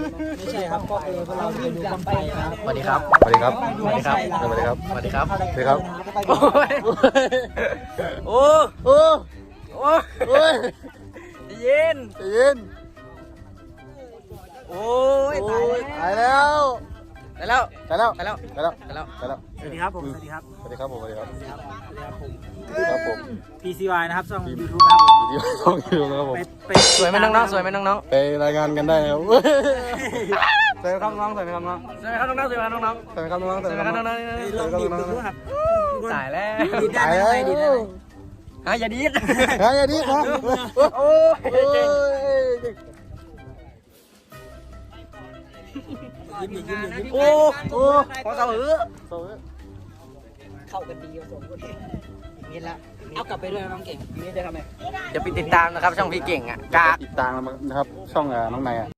ไม่ใช่ครับก็คือเราไปดูบังไฟครับสวัสดีครับสวัสดีครับสวัสดีครับสวัสดีครับสวัสดีครับสวัสดีครับโอ้ยโอ้โอ้โอ้โอ้ยเย็นใจเย็นโอ้ยโอ้ยตายแล้วไปแล้วตายแล้วไปแล้วตายแล้วไปแล้วตายแล้วสวัสดีครับผมสวัสดีครับสวัสดีครับผมสวัสดีครับสวัสดีครับผมสวัสดีครับผม PCY นะครับช่อง YouTube นะครับผมวิดีโอช่องยูทูบนะครับผมไปสวยไหมน้องๆสวยไหมน้องไปรายงานกันได้นะครับสวัสดีครับน้องสวัสดีครับน้องๆสวยไหมครับน้องๆสวยไหมครับน้องสวัสดีครับน้องๆสสวัวสยไหมดีคครัรับบ น้องๆลองดีดดูครับตายแล้วดีดได้ไหมดีดได้ไหมฮะอย่าดีดเฮ้ยดีครับโอ้โอ้ยเก่งยยิ้มดิยิ้มดิยิ้มโอ้โอ้พอเสาหือเข้ากันดีผสมกันดีอีกนิดละเอากลับไปด้วยน้องเก่งอีกนิดจะทำไงเดี๋ยวไปติดตามนะครับช่องพี่เก่งอ่ะกาติดตามนะครับช่องน้องนายอ่ะ